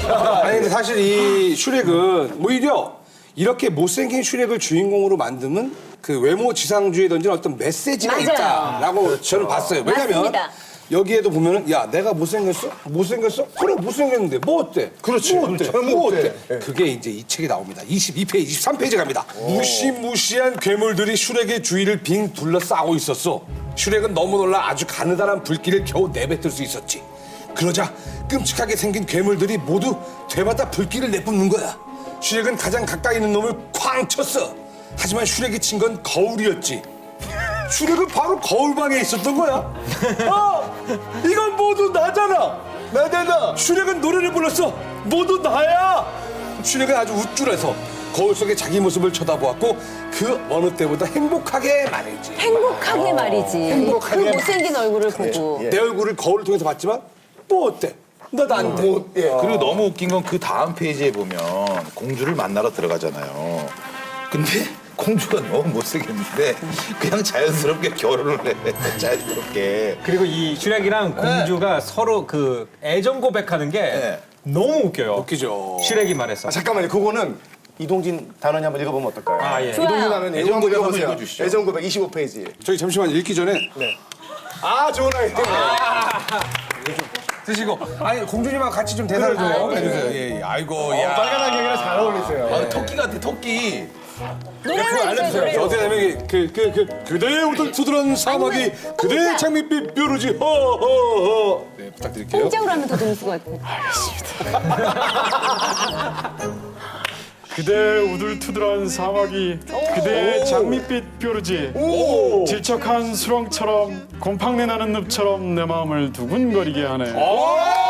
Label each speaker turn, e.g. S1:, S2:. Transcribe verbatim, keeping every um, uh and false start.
S1: 아니 근데 사실 이 슈렉은 오히려 이렇게 못생긴 슈렉을 주인공으로 만드는 그 외모 지상주의에 던지는 어떤 메시지가
S2: 맞아요.
S1: 있다라고 저는 봤어요. 왜냐면
S2: 맞습니다.
S1: 여기에도 보면은 야 내가 못생겼어? 못생겼어? 그래 못생겼는데 뭐 어때? 그렇지. 뭐 어때? 뭐 어때? 그게 이제 이 책이 나옵니다. 이십이 페이지, 이십삼 페이지 갑니다. 무시무시한 괴물들이 슈렉의 주위를 빙 둘러싸고 있었어. 슈렉은 너무 놀라 아주 가느다란 불길을 겨우 내뱉을 수 있었지. 그러자 끔찍하게 생긴 괴물들이 모두 되마다 불길을 내뿜는 거야. 슈렉은 가장 가까이 있는 놈을 쾅 쳤어. 하지만 슈렉이 친 건 거울이었지. 슈렉은 바로 거울방에 있었던 거야. 아, 이건 모두 나잖아. 나잖아. 슈렉은 노래를 불렀어. 모두 나야. 슈렉은 아주 우쭐해서 거울 속에 자기 모습을 쳐다보았고 그 어느 때보다 행복하게 말이지.
S2: 행복하게 말이지.
S1: 행복하게
S2: 그 못생긴 얼굴을 보고.
S1: 내 얼굴을 거울을 통해서 봤지만 뭐 어때? 나도 안 돼.
S3: 뭐, 예. 그리고 너무 웃긴 건 그 다음 페이지에 보면 공주를 만나러 들어가잖아요. 근데 공주가 너무 못생겼는데 그냥 자연스럽게 결혼을 해. 자연스럽게.
S4: 그리고 이 슈렉이랑 공주가 서로 그 애정 고백하는 게
S3: 네.
S4: 너무 웃겨요.
S1: 웃기죠.
S4: 슈렉이 말했어.
S5: 아, 잠깐만요. 그거는 이동진 단원이 한번 읽어보면 어떨까요?
S4: 아, 예.
S2: 좋아요.
S5: 이동진 단원이
S3: 애정
S5: 이거 한번
S3: 고백 한번
S5: 읽어보세요.
S3: 읽어주시죠.
S5: 애정 고백 이십오 페이지.
S1: 저희 잠시만 읽기 전에
S5: 아, 좋은 아이디어.
S1: 드시고 아니 공주님하고 같이 좀 대사를 좀 해주세요. 예, 예. 아이고 야.
S5: 빨간 안경이랑 잘 어울리세요.
S3: 아, 토끼 같아, 토끼.
S2: 노래를 해주세요, 노래.
S1: 어떻게 되면 그 그 그 그대의 우들투들한 사막이 그대의 장밋빛 뾰루지 허허허. 네 부탁드릴게요.
S2: 공장으로 하면 더 재밌을 것 같아요.
S6: 그대의 우둘투둘한 사막이 그대의 장밋빛 뾰루지 질척한 수렁처럼 곰팡내 나는 늪처럼 내 마음을 두근거리게 하네.